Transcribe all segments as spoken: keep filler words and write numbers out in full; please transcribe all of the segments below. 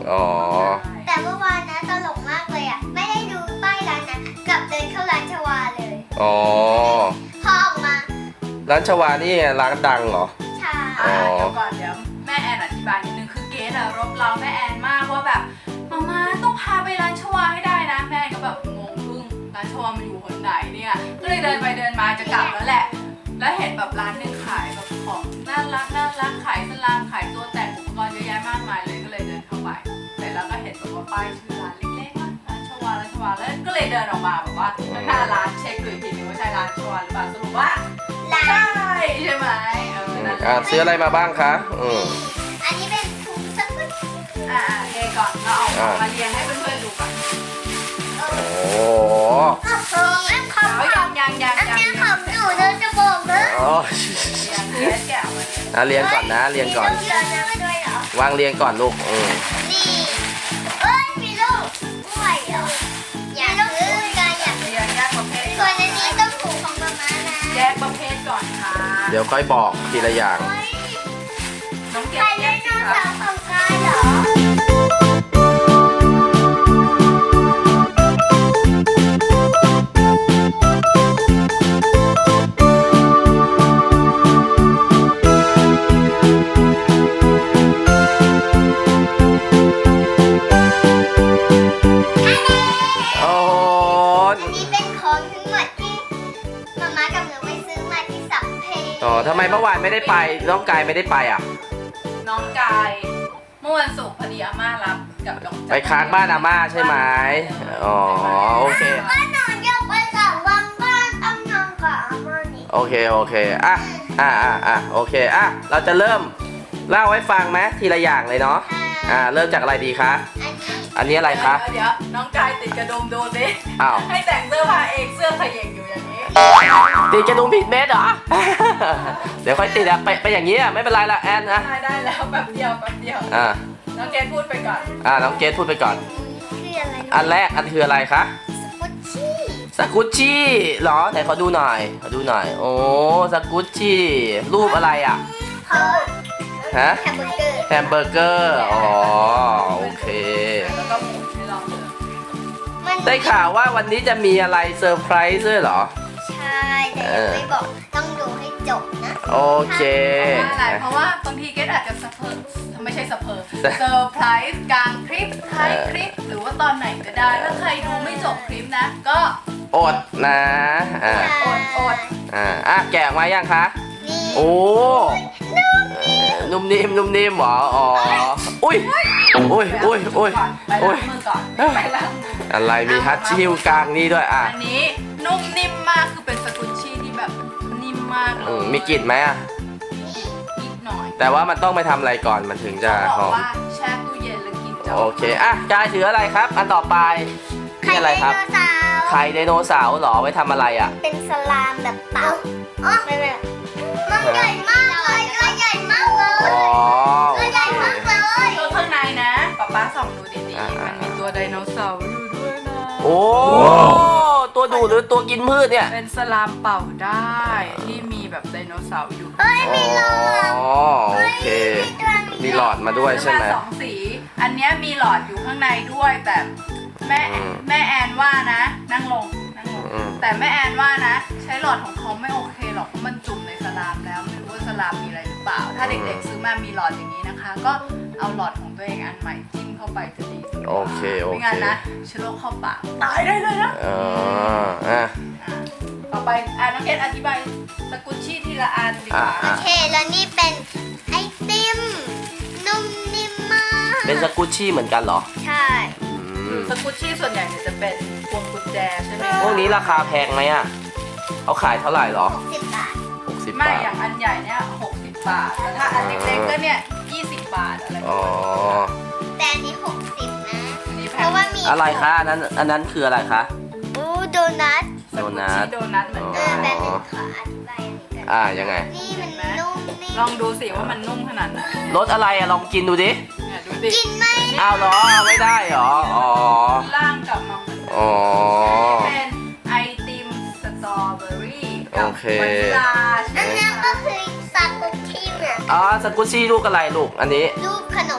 อ๋อแต่เมื่อวานนะตลกมากเลยอ่ะไม่ได้ดูป้ายร้านนะกลับเดินเข้าร้านชวาเลยอ๋อพอออกมาร้านชวานี่ร้านดังเหรอใช่เดี๋ยวก่อนเดี๋ยวแม่แอนอธิบายนิดนึงคือเกสอะรบเราแม่แอนมากว่าแบบมาม่าต้องพาไปร้านชวาให้ได้นะแม่ก็แบบงงพึ่งร้านชวามันอยู่หนไหนเนี่ยก็เลยเดินไปเดินมาจะกลับแล้วแหละแล้วเห็นแบบร้านหนึ่งขายแบบของน่ารักน่ารักขายสลามขายตัวแต่งอุปกรณ์เยอะแยะมากมายเลยก็เลยเดินเข้าไปเสร็จแล้วก็เห็นแบบว่าป้ายชื่อร้านเล็กๆว่าร้านชวาร้านชวาแล้วก็เลยเดินออกมาแบบว่าหน้าร้านเช็คดูอีกทีนึงว่าใช่ร้านชวาหรือเปล่าสรุปว่าใช่ใช่ไหมเออนั่นแหละอ่าซื้ออะไรมาบ้างคะอืมอันนี้เป็นถุงสกุลอ่าเทก่อนเราเอามาเรียงให้เพื่อนๆดูก่อนโอ้อันของเอายังยังยังอันยังนี้ของหนูเธอจะบอกนะอ๋อยังเกสแก้วมาเนี่ยอ่ะเรียงก่อนนะเรียงก่อนมีลูกเรือนะด้วยเหรอวางเรียงก่อนลูกอืมนี่เอ้ยมีลูกกล้วยเหรออยากซื้อกันอยากเรียงแยกประเภทส่วนอันนี้ต้องถูกของมาม่านะแยกประเภทก่อนค่ะเดี๋ยวค่อยบอกทีละอย่างเฮ้ยน้องเกใครสแยไดกโนสิคเสารับร์ของกายเหรอโอ้โหอันนี้เป็นของทั้งหมดที่มาม่ากับหนูไปซื้อมาที่สัมเพลอ๋อทำไมเมื่อวานไม่ได้ไปน้องกายไม่ได้ไปอ่ะน้องกายเมื่อวันศุกร์พอดีอาม่ารับกับน้องไปค้างบ้านอาม่าใช่ไหมอ๋อโอเคก็นอนยกไปสองวันก็ต้องนอนกับอาม่านี่โอเคโอเคอ่ะอ่ะอ่ะอ่ะโอเคอ่ะเราจะเริ่มเล่าให้ฟังไหมทีละอย่างเลยเนาะอ่าเริ่มจากอะไรดีคะอันนี้อันนี้อะไรคะเดี๋ยวน้องกายติดกระดุมดูสิอ้าวให้แต่งเสื้อผ้าเองเสื้อขยิงอยู่อย่างนี้ติดกระดุมผิดเม็ดเหรอ เดี๋ยวค่อยติดอะไปไปอย่างนี้อะไม่เป็นไรละแอนนะได้ได้แล้วแป๊บเดียวแป๊บเดียวอ่าน้องเกสพูดไปก่อนอ่าน้องเกดพูดไปก่อนคืออะไรอันแรกอันคืออะไรคะสกุชชี่สกุชชี่เหรอไหนขอดูหน่อยขอดูหน่อยโอ้สกุชชี่รูปอะไรอ่ะเขาฮะแฮมเบอร์เกอร์แฮมเบอร์เกอร์อ๋อโอเคแล้วก็หมุนให้เราเลยมันได้ข่าวว่าวันนี้จะมีอะไรเซอร์ไพรส์ด้วยเหรอใช่แต่ยังไม่บอกต้องดูให้จบนะโอเคเพราะว่าอะไรเพราะว่าบางทีเกสอาจจะสะเพอไม่ใช่สะเพอเซอร์ไพรส์กลางคลิปท้ายคลิปหรือว่าตอนไหนก็ได้ถ้าใครดูไม่จบคลิปนะ ก็อดนะอ่าอดอดอ่าอ่ะแกะออกมายังคะนี่โอ้เอ่อนุ่มนิ่มนุ่มนิ่มเหรออ๋ออุ้ยอุ้ยอุ้ยอุ้ยไปล้างมือก่อนไปล้างมืออะไรมีฮัตชิวกลางนี่ด้วยอ่ะอันนี้นุ่มนิ่มมากคือเป็นสกุชชี่ที่แบบนิ่มมากเลอืยมมีกลิ่นไหมอ่ะนิดหน่อยแต่ว่ามันต้องไปทำอะไรก่อนมันถึงจะเขาหบออก มว่าแช่ตู้เย็นแล้วกินจะโอเคอ่ะกายถืออะไรครับ อันต่อไปนี่อะไรครับไข่ไดโนเสาร์ไข่ไดโนเสาร์เหรอไว้ทำอะไรอ่ะเป็นสลามแบบเต่าอ๋อไม่ไม่มันใหญ่มากเลยตัวใหญ่มากเลยอ๋อตัโอวใหญ่เคมากเลยตัวข้างในนะป๊าป๊าส่องดูดีอ่าๆมัมันมีตัวไดโนเสาร์อยู่ด้วยนะโอ้ตัวดูดหรือตัวกินพืชเนี่ยเป็นสลามเป่าได้ที่มีแบบไดโนเสาร์อยู่เฮ้ยมีหลอดอ๋อโอเคมีหลอดมาด้วยใช่ไหมาสองสี อันเนี้ยมีหลอดอยู่ข้างในด้วยแต่แม่อืมแม่แอนว่านะ นั่งลงนั่งลงอืมแต่แม่แอนว่านะ ใช้หลอดของเขาไม่โอเคหรอกเพราะมันจุ่มในสลามแล้วไม่รู้ว่าสลามมีอะไรหรือเปล่า ถ้าเด็กๆซื้อมามีหลอดอย่างนี้นะคะ ก็เอาหลอดของตัวเองอันใหม่จิ้มเข้าไปจะดีสุดโอเคโอไม่เคงั้นนะเชื้อโรคเข้าปากตายได้เลยนะอ๋ออ่ะต่อไปอ่ะน้องเกดอธิบายสกุชชี่ทีละอันดีกอ่ะว่าโออ่ะเคแล้วนี่เป็นไอติมนุ่มนิ่มมากเป็นสกุชชี่เหมือนกันเหรอใช่อืมสกุชชี่ส่วนใหญ่เนี่ยจะเป็นพวงกุญแจใช่ไหมพวกนี้ราคาแพงไหมอ่ะเขาขายเท่าไหร่เหรอหกสิบบาทหกสิบไม่บาทอย่างอันใหญ่เนี่ยหกสิบบาทแต่ถ้าอันเล็กๆก็เนี่ยยี่สิบบาทอะไรประอ๋อมาณนี้แต่อันนี้หกสิบนะอันนี้แพเพงราะว่ามีอะไรคะอันนั้นอันนั้นคืออะไรคะอู้โดนัทสกุชชี่โดนัทเหมือนเอกัอน แป๊บนึงขออธิบายอันนี้กันอ่ายังไงนี่มันนุ่มนิ่ลอมงดูสิว่ามันนุ่มขนาดไหนรสอะไรอะลองกินดูดิเนี่ยดูดิกินไหมอ้าวเหรอเอาไม่ได้เหรออ๋อล่างกลับมาเหมือนเดิอ๋อมเป็นไอติมสตรอเบอรี่กัโอบ เควานิลลาใช่อันไหมนั้นคะก็คือซากุชิเหมือนอ๋อสกุชชี่ลูกอะไรลูกอันนี้ลูกขนมปัง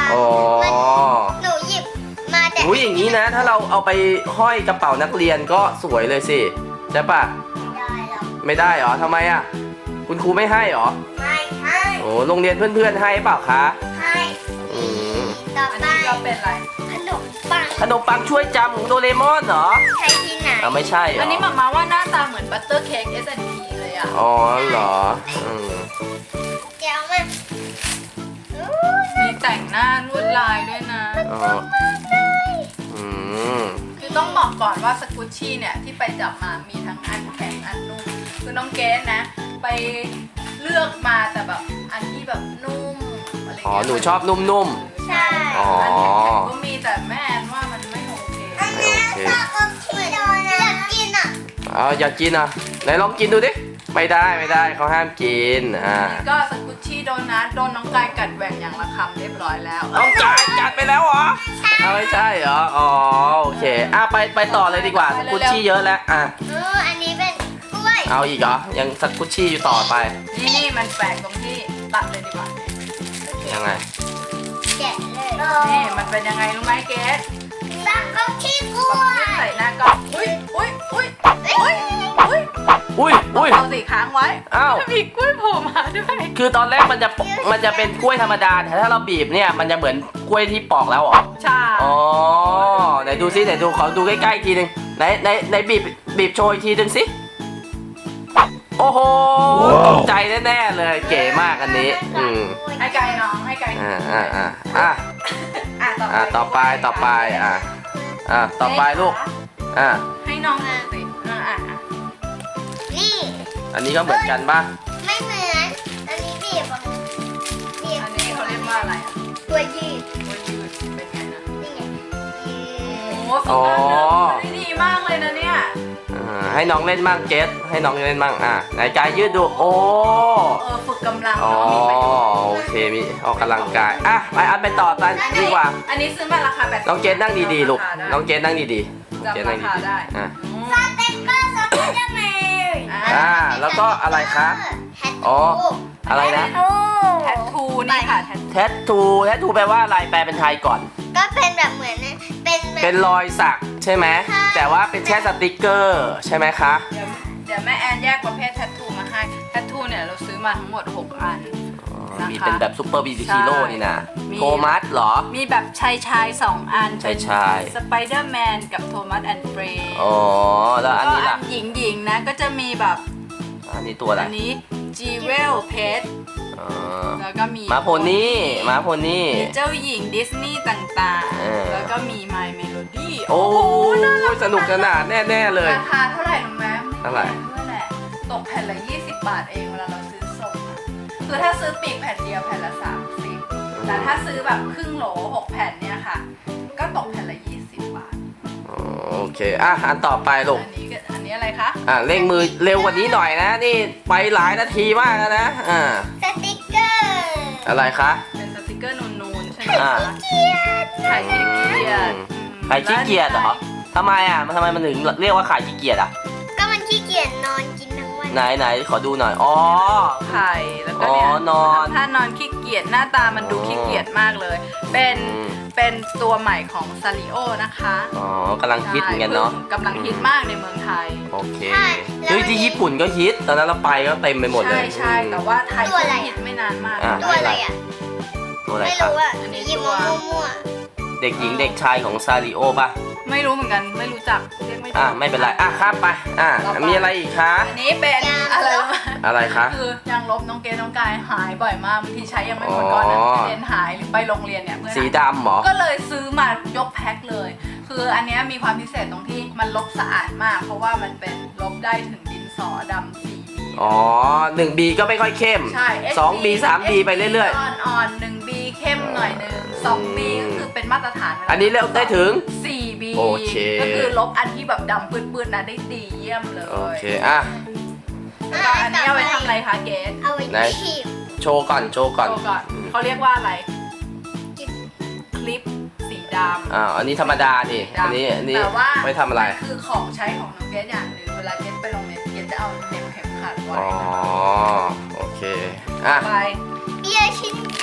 อ๋อหนูหยิบมาแต่อุ้ยอย่างนี้นะ ถ้าเราเอาไปห้อยกระเป๋านักเรียนก็สวยเลยสิใช่ปะได้หรอกไม่ได้เหรอทำไมอ่ะคุณครูไม่ให้เหรอไม่ให้โอ้โรงเรียนเพื่อนๆให้เปล่าคะให้อืมต่ออันไปนี้ก็เป็นอะไรขนมปังขนมปังช่วยจำของโดเรมอนเหรอใช้ที่ไหนอ่าไม่ใช่เหรออัอันนี้หมามาว่าหน้าตาเหมือนบัตเตอร์เค้ก เอส แอนด์ พี เลยอ่ะอ๋อเหรออืมเดี๋ยวมาอู้มีแต่งหน้าลวดลายด้วยนะอ๋ออืมคือต้องบอกก่อนว่าสกุชชี่เนี่ยที่ไปจับมามีทั้งอันแข็งอันนุ่มคือน้องเกสนะ ไปเลือกมาแต่แบบอันที่แบบนุ่มอะไรอ๋อเงี้ยหนูชอบนุ่มใช่อ๋ออันแข็งๆก็มีแต่แม่แอนว่ามันไม่โอเคอันนี้ชอบอมที่โดนนะอยากกินอ่ะๆเอาอยากกินอ่ะไหนลองกินดูดิไม่ได้ไม่ได้เขาห้ามกินอ่าก็สกุชชี่โดนัทโดนน้องกายกัดแหว่งอย่างละคำเรียบร้อยแล้วน้องกายจัดไปแล้วเหรอเอาไม่ใช่เหรออ๋อโอเคอ่ะไปไปต่อเลยดีกว่าสกุชชี่เยอะแล้วอ่ะเอออันนี้เป็นกล้วยเอาอีกเหรอยังสกุชชี่อยู่ต่อไปนี่นี่มันแปลกตรงที่ตัดเลยดีกว่ายังไงแกะเลยนี่มันเป็นยังไงรู้ไหมเกสตักก็ขี้กล้ปวอกยใส่หน้ากล้องอุ้ยอุ้ยอุ้ยอุ้ยอุ้ยอุ้ยอุ้ยเอาสีค้างไว้อ้าวมีกล้วยโผล่มาด้วยคือตอนแรกมันจะมันจะเป็นกล้วยธรรมดาแต่ถ้าเราบีบเนี่ยมันจะเหมือนกล้วยที่ปอกแล้วเหรอใช่อ๋อไหนดูซิไหนดูขอดูใกล้ๆอีกทีหนึงไหนไหนไหนบีบบีบโชว์อีกทีหนึงสิโอ้โหตกใจแน่ๆเลยเก๋มากอันนี้อืมให้ไกลน้องให้ไกลอ่าอ่าอ่าอ่าอ่ะอ่าต่อไปต่อไปอ่าอ่าต่อไปลูกอ่าให้น้องดูสิอ่าอ่ะอ่ะนี่อันนี้ก็เหมือนกันป่ะไม่เหมือน อันนี้บีบอ่ะบีบอันนี้เขาเรียกว่าอะไรอ่ะตัวยืดกล้วยยืดเป็นไงนะนี่ไงยืโอ้ดโหฝึกการเดินได้ดีมากเลยนะเนี่ยอ่าให้น้องเล่นบ้างเกสให้น้องเล่นบ้างอ่าไหนกายยืดดูโอ้เออฝึกกำลังอ๋อเนาะมีประโยชน์โอเคมีออกกำลังกายอ่ะไปอันไปต่อกันดีกว่าอันนี้ซื้อมาราคาแบบน้องเกสนั่งดีๆลูกน้องเกสนั่งดีๆน้องเกสจำนั่ราง คาดีได้ๆอ่ะอืมสเต็ปเปอร์สไปเดอร์แมนอ่าแล้วก็อะไรคะแฮทอ๋ออะไรนะโอ้แทททูนี่ค่ะแททแทททูแทททูแปลว่าอะไรแปลเป็นไทยก่อนก็เป็นแบบเหมือนเป็นแบบเป็นรอยสักใช่ไหมใช่แต่ว่าเป็นแค่สติกเกอร์ใช่ไหมคะเดี๋ยวเดี๋ยวแม่แอนแยกประเภทแทททูมาให้แทททูเนี่ยเราซื้อมาทั้งหมดหกอันอ๋อนะคะมีเป็นแบบซูเปอร์บีบีฮีโร่นี่นะมีโทมัสเหรอมีแบบชายชายสองอันชายชายสไปเดอร์แมนกับโทมัสแอนด์เฟรย์อ๋อแล้วอันนี้ก็ล่ะอันหญิงหญิงๆนะก็จะมีแบบอันนี้ตัวอะไรอันนี้จีเวลเพชอ๋อแล้วก็มีม้าโพนี่ม้าโพนี่มีเจ้าหญิงดิสนีย์ต่างเออๆ แล้วก็มี My Melody โอ้ยสนุกสนานแน่ๆเลยราคาเท่าไหร่รู้ไหมเท่าไหร่ด้วยแหละตกแผ่นละ ยี่สิบบาทเองเวลาเราซื้อส่งอะคือถ้าซื้อปีกแผ่นเดียวแผ่นละ สามสิบ แต่ถ้าซื้อแบบครึ่งโหลหกแผ่นเนี่ยค่ะ ก็ตกแผ่นละ ยี่สิบบาทอ๋อโอเคอ่ะอันต่อไปลูกอันนี้ก็อันนี้อะไรคะอ่ะเร่งมือเร็วกว่านี้หน่อยนะ นี่ไปหลายนาทีมากแล้วนะอ่าสติกเกอร์อะไรคะเป็นสติกเกอร์นูนๆใช่ไหมอ่าคะขายขี้เกียจใครขี้เกียจเหรอทำไมอ่ะมันทำไมมันถึงเรียกว่าขายขี้เกียจอ่ะก็มันขี้เกียจนอนกินทั้งวันไหนไหนขอดูหน่อยอ๋อไข่แล้วก็เนี่ยอ๋อนอนถ้านอนขี้เกียจหน้าตามันดูอ๋อขี้เกียจมากเลย เป็นอืมเป็นตัวใหม่ของซาริโอนะคะอ๋อกำลังฮิตเหมือนกันเนาะใช่พิ่งกำลังฮิตมากในเมืองไทยโอเคเฮ้ยที่ญี่ปุ่นก็ฮิตตอนนั้นเราไปก็เต็มไปหมดเลใช่ยใช่อืมแต่ว่าไทยเพิ่งฮิตไม่นานมากอ่ะตัวอะไรอ่ะตัวอะไรไม่ครับรู้อ่ะอันนี้หยิบตัวมามั่วเด็กหญิงเด็กชายของซาริโอป่ะไม่รู้เหมือนกันไม่รู้จักเรียกไม่ถูกอ่ะไม่เป็นไรอ่ะข้ามไปอ่ะมีอะไรอีกคะอันนี้เป็นอะไรรู้ไหมอะไรคะคือยางลบน้องเกดน้องกายหายบ่อยมากบางทีใช้ยังไม่หมดก่อนนะอ๋อเรียนหายหรือไปโรงเรียนเนี่ยเพื่อนสีหายดำเหรอก็เลยซื้อมายกแพ็คเลย คืออันเนี้ยมีความพิเศษตรงที่มันลบสะอาดมาก เพราะว่ามันเป็นลบได้ถึงดินสอดำสี่บีอ๋อหนึ่งบีก็ไม่ค่อยเข้มใช่สองบีสามบีไปเรื่อยๆอ่อนๆหนึ่งบีเข้มหน่อยหนึ่งสองบีก็คือเป็นมาตรฐานวลาๆ อันนี้เร็วได้ถึงสี่บีโอเคก็คือลบอันที่แบบดำปื้นๆนะได้ดีเยี่ยมเลยโอเคอ่ะแล้วก็อันนี้เอาไว้ทำอะไรคะเกดเอาไว้ไหนขีบโชว์ก่อนโชว์ก่อนโชว์ก่อนอืมเขาเรียกว่าอะไรกินคลิปสีดำอ่าอันนี้ธรรมดานี่อันนี้อันนี้แต่ว่าไม่ทำอะไรมันคือของใช้ของน้องเกดอย่างหนึ่งเวลาเกดไปโรงเรียนเกดจะเอาเหน็บเข็มขัดไว้อ๋อโอเคอ่ะไปเบียร์ชินโจ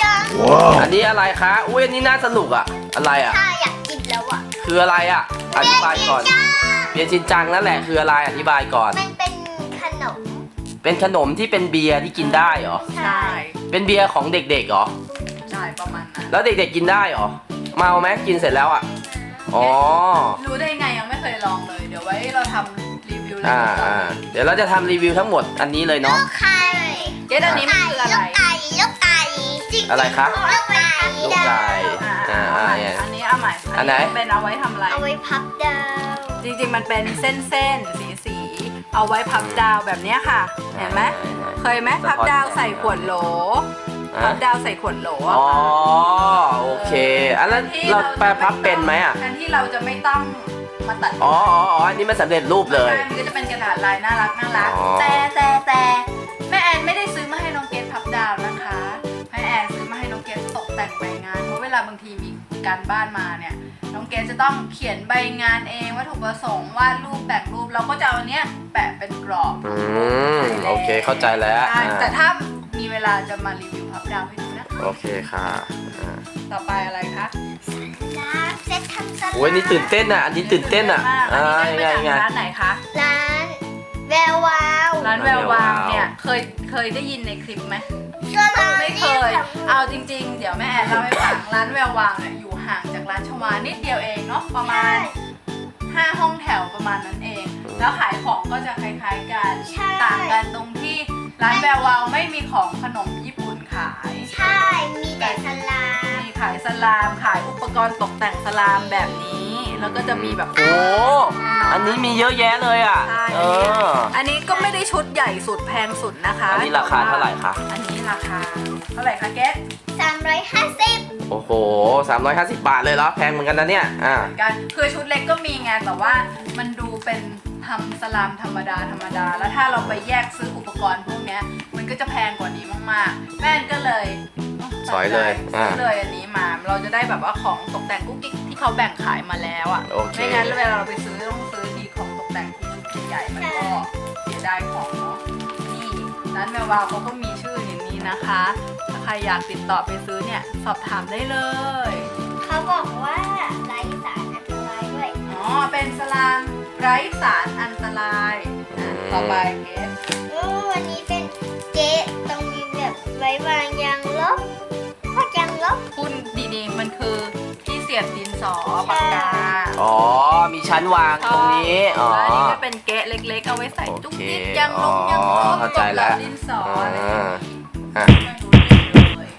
ยังอันนี้อะไรคะอุ้ยอันนี้น่าสนุกอะอะไรอะถ้าอยากกินแล้วอ่ะคืออะไรอะอธิบายก่อนเบียร์ชินจังนั่นแหละคืออะไรอธิบายก่อนมันเป็นขนมเป็นขนมที่เป็นเบียร์ที่กินได้เหรอใช่เป็นเบียร์ของเด็กๆเหรอใช่ประมาณนั้นแล้วเด็กๆกินได้เหรอเมาไหมกินเสร็จแล้วอะอ๋อรู้ได้ไงยังไม่เคยลองเลย เดี๋ยวไว้เราทำรีวิวเลยอ่าอ่าเดี๋ยวเราจะทำรีวิวทั้งหมดอันนี้เลยเนาะลูกไข่เกสอันนี้มันคืออะไรลูกไก่ลูกไก่จริงๆอะไรคะลูกไก่ลูกไก่อ่าอ่าเอาอ่าใหม่เนี่ยอันนี้เอาใหม่อันไหนเป็นเอาไว้ทำอะไรเอาไว้พับดาวจริงๆ มันเป็นเส้นๆ สีๆ เอาไว้พับดาวแบบเนี้ยค่ะ เห็นไหมเคยไหมพับดาวใส่ขวดโหล พัอ่ะบดาวใส่ขวดโหลอะอ๋อโอเคอันนั้นเราแปลพับเป็นไหมอะแทนที่เราจะไม่ต้องมาตัดอ๋ออ๋ออ๋ออันนี้มันสำเร็จรูปเลยใช่มันก็จะเป็นกระดาษลายน่ารักน่ารักอ๋อแต่แต่แต่แม่แอนไม่ได้ซื้อมาให้น้องเกดพับดาวนะคะแม่แอนซื้อมาให้น้องเกดตกแต่งใบงานเพราะเวลาบางทีมีการบ้านมาเนี่ยน้องเกดจะต้องเขียนใบงานเองวัตถุประสงค์วาดรูปแต่งรูปเราก็จะเอาอันเนี้ยแปะเป็นกรอบอืมโอเคเข้าใจแล้วใช่อ่าแต่ถ้ามีเวลาจะมารีวิวพับดาวให้ดูนะโอเคค่ะอ่าต่อไปอะไรคะร้านเซ็ตทำสลัดโอ้ยนี่ตื่นเต้นอ่ะอันนี้ตื่นเต้นอ่ะอัอ่านนี้ยังก็ไงเป็นยังไงร้านไหนคะร้านแวววาวร้านแวววาวร้านแวววาวเนี่ยเคยเคยได้ยินในคลิปไหมส่วนร้านไม่เคย เอาจริงๆ เดี๋ยวแม่แอนเล่าให้ฟัง ร้านแวววาวเนี่ยอยู่ห่างจากร้านชวานิดเดียวเองเนาะ ประมาณห้าห้องแถวประมาณนั้นเอง แล้วขายของก็จะคล้ายๆกันใช่ต่างกันตรงที่ร้านแวววาวไม่มีของขนมญี่ปุ่นขายใช่ มีแต่สลามมีขายสลาม ขายอุปกรณ์ตกแต่งสลามแบบนี้ แล้วก็จะมีแบบโอ้อันนี้มีเยอะแยะเลยอ่ะใช่เอออันนี้ก็ไม่ได้ชุดใหญ่สุดแพงสุดนะคะอันนี้ราคาเท่าไหร่คะอันนี้ราคาเท่าไหร่คะเกสสามร้อยห้าสิบโอ้โหสามร้อยห้าสิบบาทเลยเหรอแพงเหมือนกันนะเนี่ยอ่ากันคือชุดเล็กก็มีไงแต่ว่ามันดูเป็นทำสลามธรรมดาธรรมดา แล้วถ้าเราไปแยกซื้ออุปกรณ์พวกเนี้ยมันก็จะแพงกว่านี้มากๆ แม่ก็เลยสอยเลยอ่าซื้อเลยอันนี้มาเราจะได้แบบว่าของตกแต่งกุ๊กกิ๊กที่เขาแบ่งขายมาแล้วอ่ะโอเคไม่งั้นเวลาเราไปซื้อต้องซื้อทีของตกแต่งที่ชุดใหญ่ๆมันก็เสียดายของเนาะนี่ร้านแมววาวเขาก็มีชื่ออย่างนี้นะคะถ้าใครอยากติดต่อไปซื้อเนี่ยสอบถามได้เลยเขาบอกว่าไร้สารอันตรายด้วยอ๋อ เป็นสลามไร้สารอันตรายอ่ะต่อไปเกสโอ้วันนี้เป็นเจ๊ตรงนี้แบบไว้วางยางลบพวกยางลบคุณดีๆ มันคือที่เสียบดินสอปากกาอ๋อมีชั้นวางตรงนี้อ๋อแล้วอันนี้ก็เป็นเกะเล็กๆ เอาไว้ใส่จุ๊กจิ๊กโอเคยางลงยางลอ๋อบ เข้าใจแล้วดินสออะไรอย่างอ่างี้อ่ะไม่รู้เรื่องเลย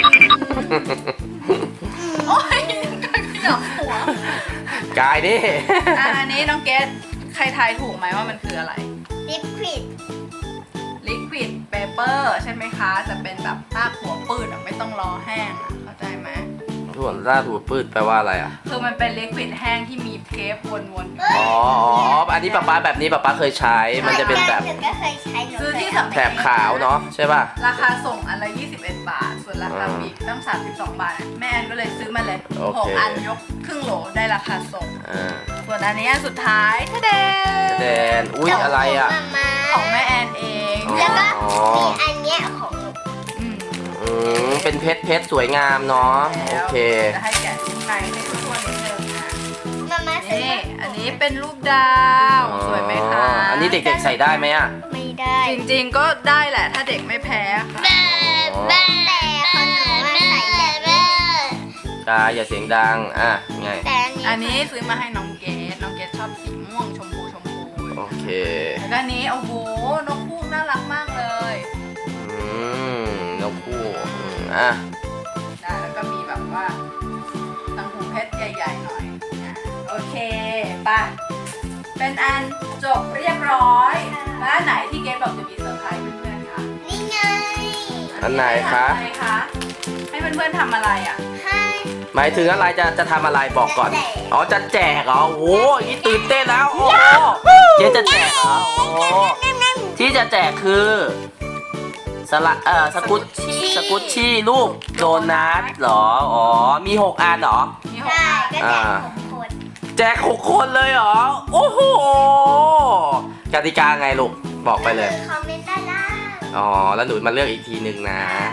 โอ้ยการขยับหัวกายดิอ่ะอันนี้น้องเกสใครทายถูกไหมว่ามันคืออะไรลิปควิด liquid paper ใช่ไหมคะ จะเป็นแบบภาคหัวปืดอะไม่ต้องรอแห้งอะเข้าใจไหมส่วนล่าถูปืดแปลว่าอะไรอ่ะคือมันเป็น liquid แห้งที่มีเทปวนๆอยู่อ๋ออ๋ออันนี้ป๊าป๊าแบบนี้ป๊าป๊าเคยใช้ มันจะเป็นแบบหนูก็เคยใช้หนูซื้อที่เคยสำแถบขาวเนาะใช่ป่ะราคาส่งอันละยี่สิบเอ็ดบาท ส่วนราคาปลีกตั้งสามสิบสองบาท แม่แอนก็เลยซื้อมาเลยโอเคหกอันยกครึ่งโหลได้ราคาส่งอ่าส่วนอันนี้อันสุดท้ายทะเดแดนอุ้ยอะไรอ่ะมามาของแม่แอนเองอ๋อแล้วก็มีอันเนี้ยของหนูอืมอืมเป็นเพชรเพชรสวยงามเนาะโอเคจะให้แกะชิ้นในให้ทุกคนนิดนึงนะมามาซื้นี่ออันนี้เป็นรูปดาว สวยไหมคะอันนี้เด็กๆใส่ได้ไหมอ่ะไม่ได้จริงๆก็ได้แหละถ้าเด็กไม่แพ้ค่ะแต่ของหนูว่าใส่แบบนี้กายอย่าเสียงดังอ่ะไงแต่อันนี้ซื้อมาให้น้องเกดน้องเกดชอบสีม่วงชมพูชมพูโอเคแล้วก็อันนี้โอ้โหนกฮูกน่ารักมากเลยอืมนกคู่อืมอ่ะนะแล้วก็มีแบบว่าตังหูเพชรใหญ่ๆหน่อยนะโอเคไปะเป็นอันจบเรียบร้อยแล้วอันไหนที่เกดบอกจะมีเซอร์ไพรส์เพื่อนๆคะนี่ไงอันไหนคะให้ทำอะไรคะให้เพื่อนๆทำอะไรอ่ะให้หมายถึงอะไรจะจะทำอะไรบอกก่อน อ๋อจะแจกเหรอ โอ้โหอย่างนี้ตื่นเต้นแล้ว โอ้โหเจ๊จะแจกเหรอ โอ้โหที่จะแจกคือสละเอ่อสกุตสกุชชี่สกุตชี่รูปโดนัทเหรอ อ๋อ มีหกอันเหรอมีหกได้อันก็แจกอ่าหกคนแจกหกคนเลยเหรอ โอ้โหกติกาไงลูก บอกไปเลยคอมเมนต์ด้านล่างอ๋อ แล้วหนูมาเลือกอีกทีหนึ่งนะอ๋อ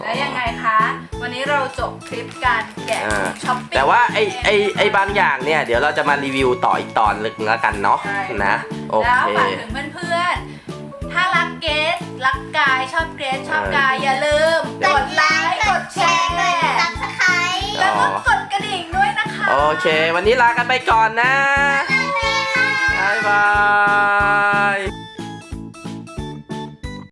แล้วยังไงคะ วันนี้เราจบคลิปการแกะอ่าช้อปปิ้งแต่ว่าไอไอไอบางอย่างเนี่ยเดี๋ยวเราจะมารีวิวต่ออีกตอนลึกแล้วกันเนาะใช่นะโอแล้วเคฝากถึงเพื่อนๆ ถ้ารักเกสรักกายชอบเกสชอบกายอย่าลืมกดไลค์กดแชร์กดซับสไครต์แล้วก็กดกระดิ่งด้วยนะคะโอเค วันนี้ลากันไปก่อนนะบ๊ายบายค่ะบ๊ายบาย